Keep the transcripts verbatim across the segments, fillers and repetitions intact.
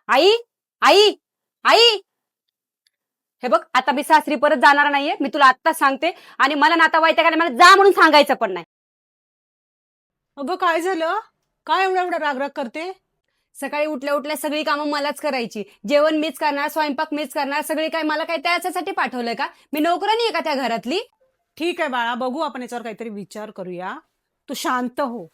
आई आई आई, हे बघ आता मी सासरी परत जाणार नाहीये, मी तुला आत्ताच सांगते. आणि मला नातेवाईकाला मला जा म्हणून सांगायचं पण नाही. अगं काय झालं? काय एवढा एवढा रागराग करते? सकाळी उठल्या उठल्या सगळी कामं मलाच करायची. जेवण मीच करणार, स्वयंपाक मीच करणार, सगळी काय मला काय त्याच्यासाठी पाठवलंय का? मी नोकरानी आहे का त्या घरातली? ठीक आहे बाळा, बघू आपण याच्यावर काहीतरी विचार करूया. तू शांत हो.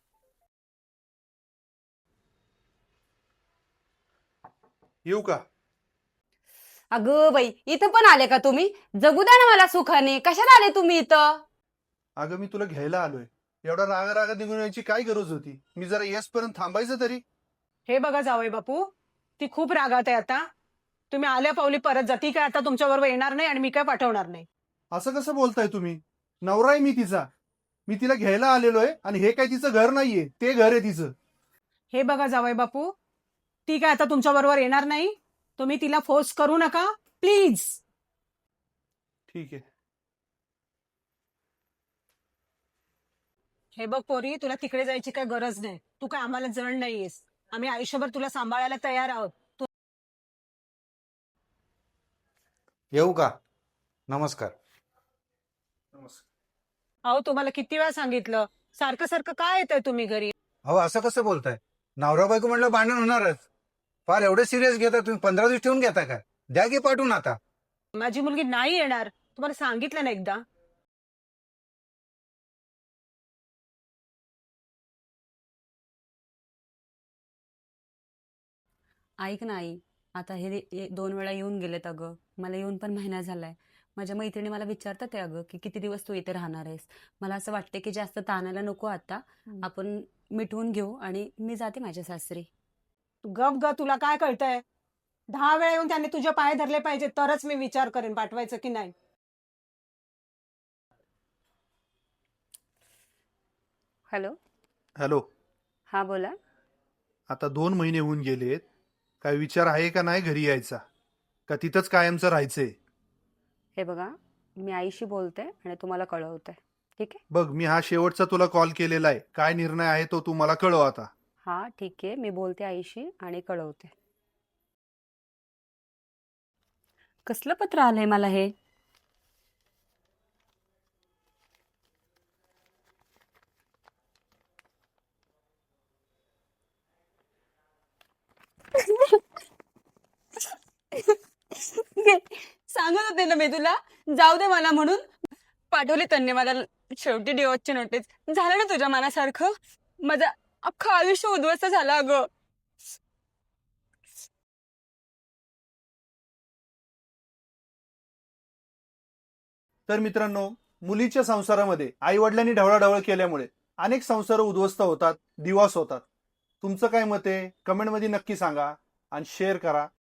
येऊ का? अगं बाई, इथं पण आले का तुम्ही? जगू द्या ना मला सुखाने. कशाला आले तुम्ही इथं? अगं मी तुला घ्यायला आलोय. एवढा रागा रागा निघून यायची काय गरज होती? मी जरा येसपर्यंत थांबायचं तरी. हे बघा जावई बापू, ती खूप रागात आहे आता. तुम्ही आल्या पावली परत जा. ती काय आता तुमच्या बरोबर येणार नाही आणि मी काय पाठवणार नाही. असं कसं बोलताय तुम्ही? नवरा आहे मी तिचा. मी तिला घ्यायला आलेलो आहे आणि हे काय तिचं घर नाहीये, ते घर आहे तिचं. हे बघा जावई बापू, ती काय आता तुमच्या बरोबर येणार नाही. तुम्ही तिला फोर्स करू नका प्लीज. ठीक आहे. हे बघ पोरी, तुला तिकडे जायची काय गरज नाही. तू काय आम्हाला जण नाहीयेस. आम्ही आयुष्यभर तुला सांभाळायला तयार आहोत. तू येऊ का? नमस्कार. नमस्कार. अहो तुम्हाला किती वेळा सांगितलं, सारखं सारखं काय येतंय तुम्ही घरी? अहो असं कसं बोलताय? नवरा बायको म्हटलं भांडण होणारच. फार एवढे सिरियस घेता तुम्ही? पंधरा दिवस ठेवून घेता का? द्या की पाठवून आता. माझी मुलगी नाही येणार, तुम्हाला सांगितलं ना एकदा. ऐक ना आई, आता हे हे दोन वेळा येऊन गेलेत अगं. मला येऊन पण महिना झालाय. माझ्या मैत्रिणी मला विचारतात आहे अगं की किती दिवस तू इथे राहणार आहेस. मला असं वाटते की जास्त ताणायला नको आता. आपण मिटवून घेऊ आणि मी जाते माझ्या सासरी. तू गप ग, तुला काय कळतंय? दहा वेळा येऊन त्यांनी तुझे पाय धरले पाहिजे तरच मी विचार करेन पाठवायचं की नाही. हॅलो. हॅलो. हा बोला. आता दोन महिने होऊन गेलेत. काय विचार आहे का नाही घरी यायचा? का तिथंच कायमचं राहायचंय? हे बघा, मी आईशी बोलते आणि तुम्हाला कळवते. ठीक आहे? बघ, मी हा शेवटचा तुला कॉल केलेला आहे. काय निर्णय आहे तो तू मला कळव आता. हा ठीक आहे, मी बोलते आईशी आणि कळवते. कसलं पत्र आलंय मला हे? सांगत होते ना मी तुला, जाऊ दे मला म्हणून. पाठवली त्यांनी मला शेवटी डिवोर्सची नोटीस. झालं ना तुझ्या मनासारखं? माझं अख्खं आयुष्य उद्ध्वस्त झालं अगं. तर मित्रांनो, मुलीच्या संसारामध्ये आई वडिलांनी ढवळाढवळ केल्यामुळे अनेक संसार उद्ध्वस्त होतात, दिवस होतात. तुमचं काय मत आहे? कमेंटमध्ये नक्की सांगा आणि शेअर करा.